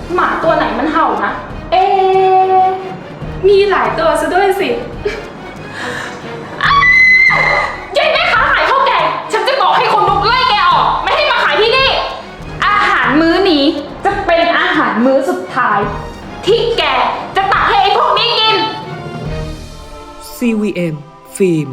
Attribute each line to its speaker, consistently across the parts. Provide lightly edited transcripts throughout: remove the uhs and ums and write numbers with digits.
Speaker 1: หมาตัวไหนมันเห่านะ เอ๊ะมีหลายตัวซะด้วยสิยายแม่ค้าขายข้าวแกงฉันจะบอกให้คนนุกไล่แกออกไม่ให้มาขายที่นี่อาหารมื้อนี้จะเป็นอาหารมื้อสุดท้ายที่แกจะตักให้ไอ้พวกนี้กิน
Speaker 2: CVM ฟิล์ม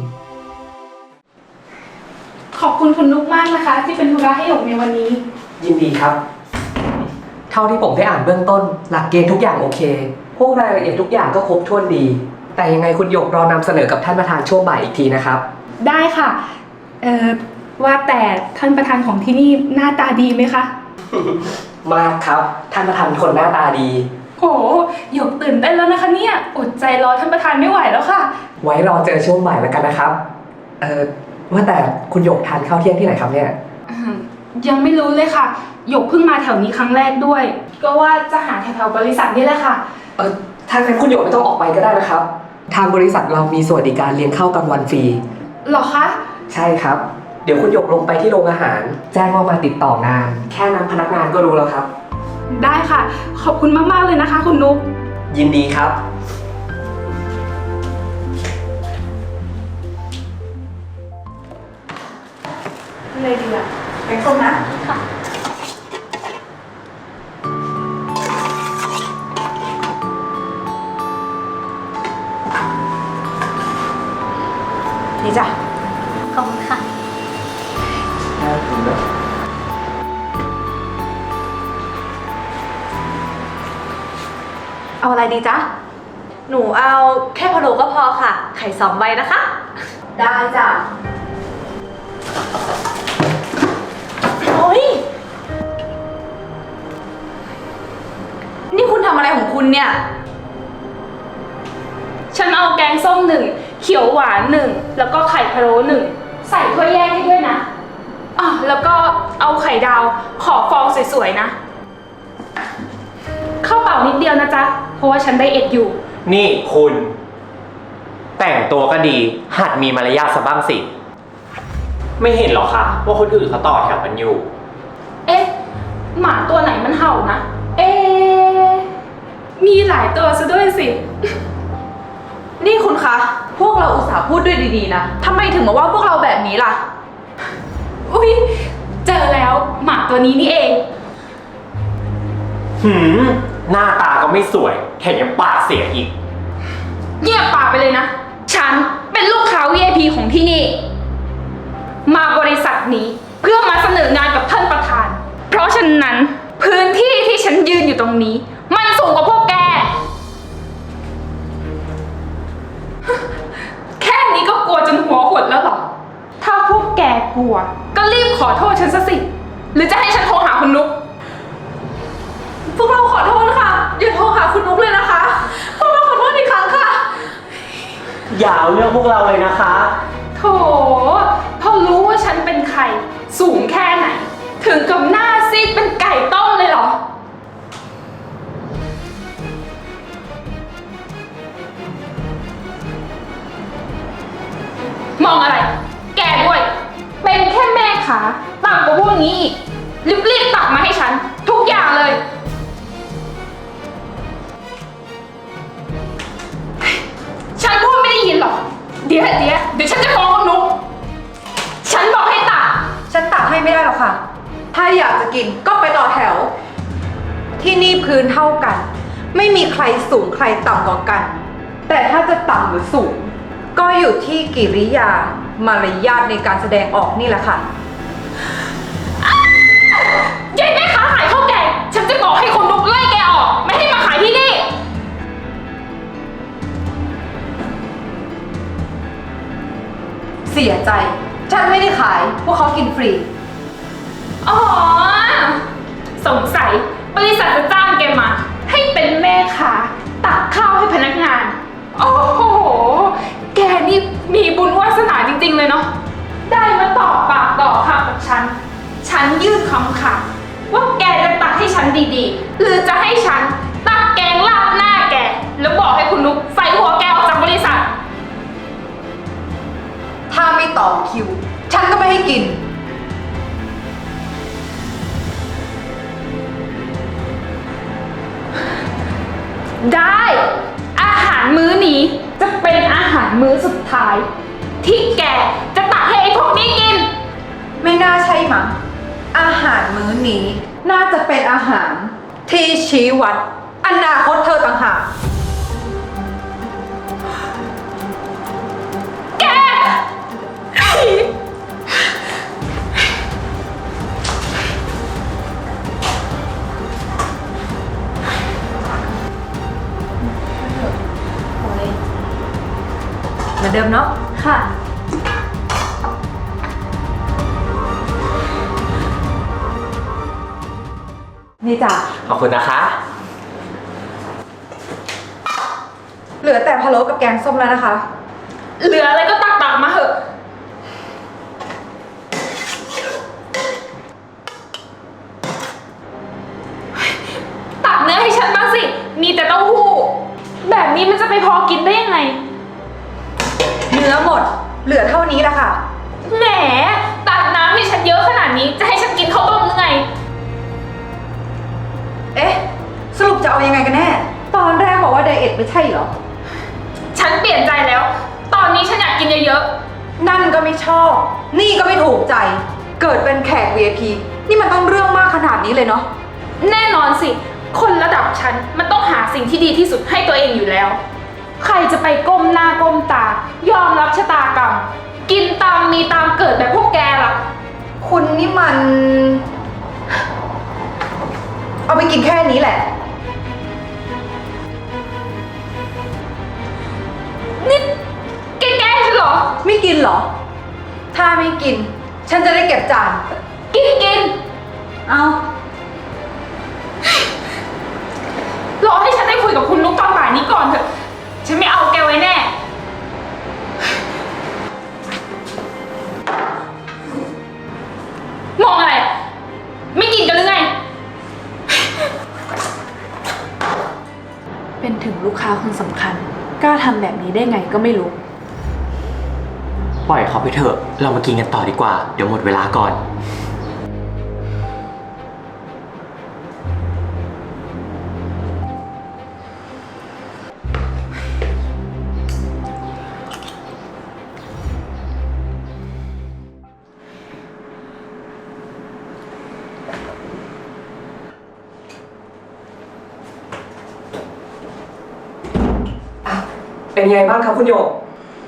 Speaker 1: ขอบคุณคุณนุกมากนะคะที่เป็นธุระให้หยกในวันนี้
Speaker 3: ยินดีครับเท่าที่ผมได้อ่านเบื้องต้นหลักเกณฑ์ทุกอย่างโอเคพวกรายละเอียดทุกอย่างก็ครบถ้วนดีแต่ยังไงคุณหยกรอนำเสนอกับท่านประธานช่วงบ่ายอีกทีนะครับ
Speaker 1: ได้ค่ะว่าแต่ท่านประธานของที่นี่หน้าตาดีไหมคะ
Speaker 3: มากครับท่านประธานคนหน้าตาดี
Speaker 1: โหหยกตื่นเต้นแล้วนะคะเนี่ยอดใจรอท่านประธานไม่ไหวแล้วค่ะ
Speaker 3: ไว้รอเจอช่วงบ่ายแล้วกันนะครับว่าแต่คุณหยกทานข้าวเที่ยงที่ไหนครับเนี่ย
Speaker 1: ยังไม่รู้เลยค่ะหยกเพิ่งมาแถวนี้ครั้งแรกด้วยก็ว่าจะหาแถวๆบริษัทนี่แหละค่ะ
Speaker 3: ถ้างั้นคุณหยกไม่ต้องออกไปก็ได้นะครับทางบริษัทเรามีสวัสดิการเลี้ยงข้าวกลางวันฟรี
Speaker 1: หรอคะ
Speaker 3: ใช่ครับเดี๋ยวคุณหยกลงไปที่โรงอาหารแจ้งว่ามาติดต่องานแค่นั้นพนักงานก็รู้แล้วครับ
Speaker 1: ได้ค่ะขอบคุณมากๆเลยนะคะคุณนุ๊ก
Speaker 3: ยินดีครับ
Speaker 1: เลยดีอ่ะ
Speaker 4: แกงส้มนะ
Speaker 1: ค่ะ
Speaker 4: นี่จ้ะ
Speaker 5: ขอบคุณค่ะ
Speaker 4: เอาอะไรดีจ๊ะ
Speaker 5: หนูเอาแค่พะโล้ก็พอค่ะไข่2 ใบนะคะ
Speaker 4: ได้จ้ะ
Speaker 5: โอ้ยนี่คุณทำอะไรของคุณเนี่ย
Speaker 1: ฉันเอาแกงส้ม1เขียวหวาน1แล้วก็ไข่พะโล้1ใส่ถ้วยแยกให้ด้วยนะแล้วก็เอาไข่ดาวขอฟองสวยๆนะข้าวเปล่านิดเดียวนะจ๊ะเพราะว่าฉันไดเอทอยู่
Speaker 6: นี่คุณแต่งตัวก็ดีหัดมีมารยาทซะบ้างสิไม่เห็นหรอคะว่าคนอื่นเขาต่อแถวกันอยู่
Speaker 1: เอ๊ะหมาตัวไหนมันเห่านะเอ๊ะมีหลายตัวซะด้วยสิ
Speaker 5: นี่คุณคะพวกเราอุตส่าห์พูดด้วยดีๆนะทำไมถึงมาว่าพวกเราแบบนี้ล่ะ
Speaker 1: อุ๊ยเจอแล้วหมาตัวนี้นี่เอง
Speaker 6: หน้าตาก็ไม่สวยแถมยังปากเสียอีก
Speaker 1: เงียบปากไปเลยนะฉันเป็นลูกค้า VIP ของที่นี่มาบริษัทนี้เพื่อมาเสนองานกับท่านประธานเพราะฉะนั้นพื้นที่ที่ฉันยืนอยู่ตรงนี้มันสูงกว่าพวกแกแค่นี้ก็กลัวจนหัวหดแล้วหรอถ้าพวกแกกลัวก็รีบขอโทษฉันซะสิหรือจะให้ฉันโทรหาคุณนุ๊ก
Speaker 5: พวกเราขอโทษค่ะอย่าโทรหาคุณนุ๊กเลยนะคะพวกเราขอโทษอีกครั้งค่ะ
Speaker 6: อย่าเอาเรื่องพวกเราเลยนะคะ
Speaker 1: โถพอรู้ว่าฉันเป็นใครสูงแค่ไหนถึงกับหน้าซีดเป็นไก่ต้มเลยเหรอมองอะไรแกด้วยเป็นแค่แม่ค้าต่ำกว่าพวกนี้อีกรีบตักมาให้ฉันทุกอย่างเลยฉันพูดไม่ได้ยินหรอเดี๋ยวฉันจะฟ้องคุณนุ๊กฉันบอกให้ตัก
Speaker 4: ฉันตักให้ไม่ได้หรอกค่ะถ้าอยากจะกินก็ไปต่อแถวที่นี่พื้นเท่ากันไม่มีใครสูงใครต่ำกว่ากันแต่ถ้าจะต่ำหรือสูงก็อยู่ที่กิริยามารยาทในการแสดงออกนี่แหละค่ะ
Speaker 1: ยายแม่ค้าขายข้าวแกงฉันจะบอกให้คนนุ๊กไล่แกออกไม่ให้มาขายที่นี่
Speaker 4: เสียใจฉันไม่ได้ขายพวกเขากินฟรี
Speaker 1: สงสัยบริษัทจะจ้างแกมาให้เป็นแม่ค้าตักข้าวให้พนักงานโอ้โหแกนี่มีบุญวาสนาจริงๆเลยเนาะได้มาต่อปากต่อคำกับฉันยื่นคำขาดว่าแกจะตักให้ฉันดีๆหรือจะให้ฉันตักแกงราดหน้าแกแล้วบอกให้คุณนุ๊กใส่หัวแกออกจากบริษัท
Speaker 4: ถ้าไม่ต่อคิวฉันก็ไม่ให้กิน
Speaker 1: พได้ อาหารมื้อนี้จะเป็นอาหารมื้อสุดท้าย ที่แกจะตักให้ไอ้พวกนี้กิน
Speaker 4: ไม่น่าใช่มั้งอาหารมื้อนี้ น่าจะเป็นอาหารที่ชี้วัดอนาคตเธอต่างหาก
Speaker 1: แก
Speaker 4: เหมือนเดิมเนาะ
Speaker 1: ค่ะ
Speaker 4: นี่จ้ะ
Speaker 6: ขอบคุณนะคะ
Speaker 4: เหลือแต่พะโล้กับแกงส้มแล้วนะคะ
Speaker 1: เหลืออะไรก็ตักมาเถอะ ตักเนื้อให้ฉันบ้างสิ มีแต่เต้าหู้ แบบนี้มันจะไปพอกินได้ยังไง
Speaker 4: เนื้อหมด เหลือเท่านี้แหละค่ะ
Speaker 1: แหม ตักน้ำให้ฉันเยอะขนาดนี้ จะให้ฉันกินข้าวต้มหรือไง
Speaker 4: เอ๊ะ สรุปจะเอายังไงกันแน่ ตอนแรกบอกว่าไดเอทไม่ใช่เหรอ
Speaker 1: ฉันเปลี่ยนใจแล้ว ตอนนี้ฉันอยากกินเยอะ
Speaker 4: นั่นก็ไม่ชอบ นี่ก็ไม่ถูกใจ เกิดเป็นแขก VIP นี่มันต้องเรื่องมากขนาดนี้เลยเนาะ
Speaker 1: ๆ แน่นอนสิ คนระดับฉันมันต้องหาสิ่งที่ดีที่สุดให้ตัวเองอยู่แล้ว ใครจะไปก้มหน้าก้มตา ยอมรับชะตากรรม กินตามมีตามเกิดแบบพวกแกล่ะ
Speaker 4: คุณนี่มัน เอาไปกินแค่นี้แหละ
Speaker 1: นี่แกแกล้งฉันเหรอ
Speaker 4: ไม่กินเหรอ ถ้าไม่กิน ฉันจะได้เก็บจาน
Speaker 1: กิน
Speaker 4: เอา
Speaker 1: รอให้ฉันได้คุยกับคุณนุ๊กตอนบ่ายนี้ก่อนเถอะ ฉันไม่เอาแกไว้แน่ มองอะไร ไม่กินกันหรือไง
Speaker 5: เป็นถึงลูกค้าคนสำคัญ กล้าทำแบบนี้ได้ไงก็ไม่รู้
Speaker 6: ปล่อยเขาไปเถอะ เรามากินกันต่อดีกว่า เดี๋ยวหมดเวลาก่อน
Speaker 3: เป็นไงบ้างครับคุณหยก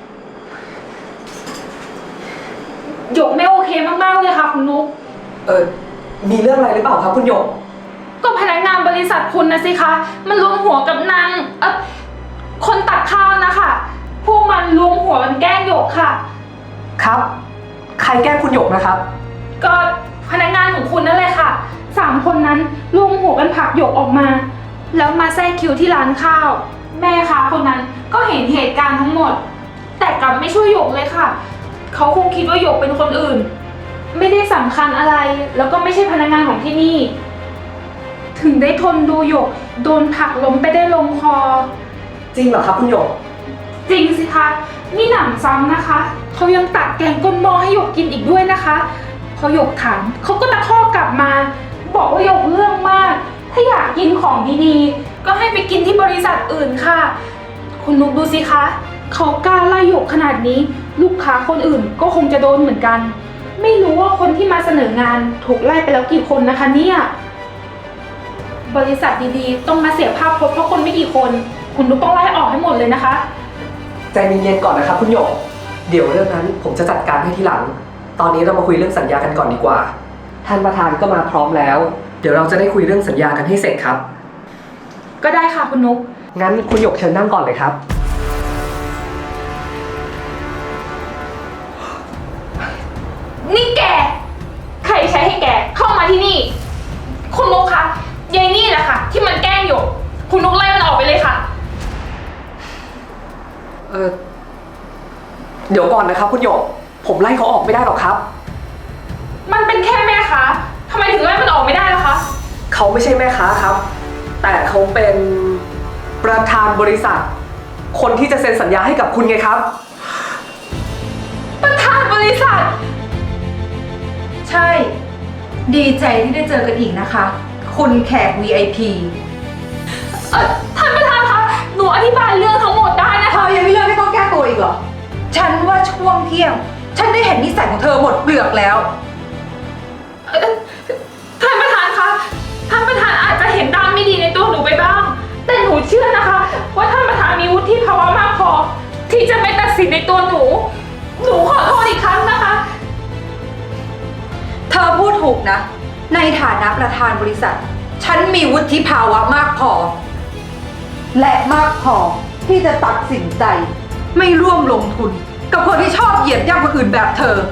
Speaker 1: หยกไม่โอเคมากๆเลยค่ะคุณนุ๊ก
Speaker 3: มีเรื่องอะไรหรือเปล่าครับคุณหยก
Speaker 1: ก็พนักงานบริษัทคุณนะสิคะ มันรวมหัวกับนางคนตักข้าวนะคะ พวกมันรวมหัวกันแกล้งหยกค่ะ
Speaker 3: ครับ ใครแกล้งคุณหยกนะครับ
Speaker 1: ก็พนักงานของคุณนั่นแหละค่ะ3 คนนั้นรวมหัวกันผลักหยกออกมา แล้วมาแทรกคิวที่ร้านข้าว แม่ค้าคนนั้นก็เห็นเหตุการณ์ทั้งหมด แต่กลับไม่ช่วยหยกเลยค่ะ เขาคงคิดว่าหยกเป็นคนอื่น ไม่ได้สำคัญอะไร แล้วก็ไม่ใช่พนักงานของที่นี่ ถึงได้ทนดูหยกโดนผลักล้มไปได้ลงคอ
Speaker 3: จริงเหรอครับคุณหยก
Speaker 1: จริงสิคะนี่หนำซ้ำนะคะเขายังตักแกงก้นหม้อให้หยกกินอีกด้วยนะคะพอหยกถามเขาก็ตะคอกกลับมา บอกว่าหยกเรื่องมาก ถ้าอยากกินของดีๆ ก็ให้ไปกินที่บริษัทอื่นค่ะ คุณนุกดูสิคะเขากล้าไล่หยกขนาดนี้ ลูกค้าคนอื่นก็คงจะโดนเหมือนกัน ไม่รู้ว่าคนที่มาเสนองานถูกไล่ไปแล้วกี่คนนะคะเนี่ยบริษัทดีๆต้องมาเสียภาพพจน์เพราะคนไม่กี่คน คุณนุกต้องไล่ออกให้หมดเลยนะคะ
Speaker 3: ใจเย็นๆก่อนนะครับคุณหยก เดี๋ยวเรื่องนั้นผมจะจัดการให้ทีหลัง ตอนนี้เรามาคุยเรื่องสัญญากันก่อนดีกว่า ท่านประธานก็มาพร้อมแล้ว เดี๋ยวเราจะได้คุยเรื่องสัญญากันให้เสร็จครับ
Speaker 1: ก็ได้ค่ะคุณนุก
Speaker 3: งั้นคุณหยกเชิญนั่งก่อนเลยครับ
Speaker 1: นี่แก ใครใช้ให้แกเข้ามาที่นี่ คุณนุกคะยายนี่แหละค่ะ ที่มันแกล้งหยกคุณนุกไล่มันออกไปเลยค่ะ
Speaker 3: เดี๋ยวก่อนนะครับคุณหยก ผมไล่เขาออกไม่ได้หรอกครับ
Speaker 1: มันเป็นแค่แม่ค้าทำไมถึงไล่มันออกไม่ได้ล่ะคะ
Speaker 3: เขาไม่ใช่แม่ค้าครับ แต่เขาเป็นประธานบริษัท คนที่จะเซ็นสัญญาให้กับคุณไงครับ
Speaker 1: ประธานบริษัท
Speaker 4: ใช่ ดีใจที่ได้เจอกันอีกนะคะ คุณแขก VIP
Speaker 1: ท่านประธานคะอธิบายเรื่องทั้งหมดได้นะ
Speaker 4: เธ
Speaker 1: คะ
Speaker 4: อยังไม่เลิกให้ต้องแก้ตัวอีกเหรอ ฉันว่าช่วงเที่ยง ฉันได้เห็นนิสัยของเธอหมดเปลือกแล้ว
Speaker 1: ท่านประธานคะ ท่านประธานอาจจะเห็นด้านไม่ดีในตัวหนูไปบ้าง แต่หนูเชื่อนะคะ ว่าท่านประธานมีวุฒิภาวะมากพอ ที่จะไม่ตัดสินในตัวหนู หนูขอโทษอีกครั้งนะคะ
Speaker 4: เธอพูดถูกนะ ในฐานะประธานบริษัท ฉันมีวุฒิภาวะมากพอ และมากพอที่จะตัดสินใจ ไม่ร่วมลงทุน กับคนที่ชอบเหยียดย่ำคนอื่นแบบเธอ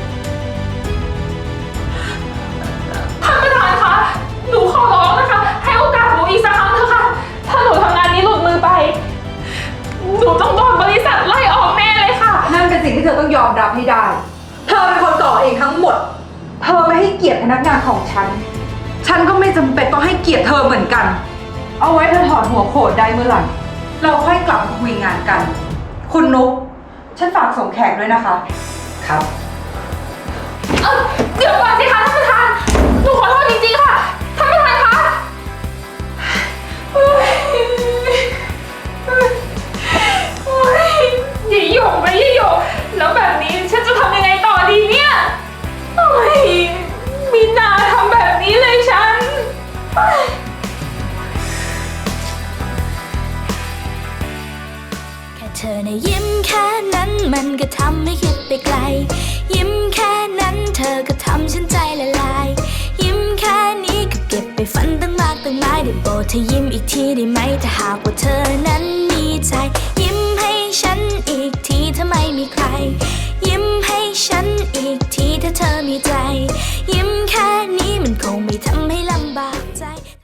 Speaker 1: ท่านประธานคะ หนูขอร้องนะคะ ให้โอกาสหนูอีกสักครั้งเถอะค่ะ ถ้าหนูทำงานนี้หลุดมือไป หนูต้องโดนบริษัทไล่ออกแน่เลยค่ะ
Speaker 4: นั่นเป็นสิ่งที่เธอต้องยอมรับให้ได้ เธอเป็นคนก่อเองทั้งหมด เธอไม่ให้เกียรติพนักงานของฉัน ฉันก็ไม่จำเป็นต้องให้เกียรติเธอเหมือนกัน เอาไว้เธอถอดหัวโขนได้เมื่อไหร่ เราค่อยกลับมาคุยงานกัน คุณนุ๊ก ฉันฝากส่งแขกด้วยนะคะ
Speaker 3: ครับ
Speaker 1: เดี๋ยวก่อนสิคะท่านประธาน หนูขอโทษจริงๆค่ะ ท่านประธานคะโอ๊ยโอ๊ยอย่าหยกนะอย่าหยกแล้วแบบนี้ฉันจะทำยังไงต่อดีเนี่ยโอ๊ยมีนาทำแบบนี้เลยฉันโอ๊ย
Speaker 2: แค่เธอในะยิ้มแค่นั้นมันก็ทำให้คิดไปไกล ยิ้มแค่นั้นเธอก็ทำฉันใจละลาย ยิ้มแค่นี้ก็เก็บไปฝันตั้งมากตั้งหลายได้โปรดเธอยิ้มอีกทีได้ไหมถ้าหากว่าเธอนั้นมีใจ ยิ้มให้ฉันอีกทีถ้าไม่มีใคร ยิ้มให้ฉันอีกทีถ้าเธอมีใจ ยิ้มแค่นี้มันคงไม่ทำให้ลำบากใจ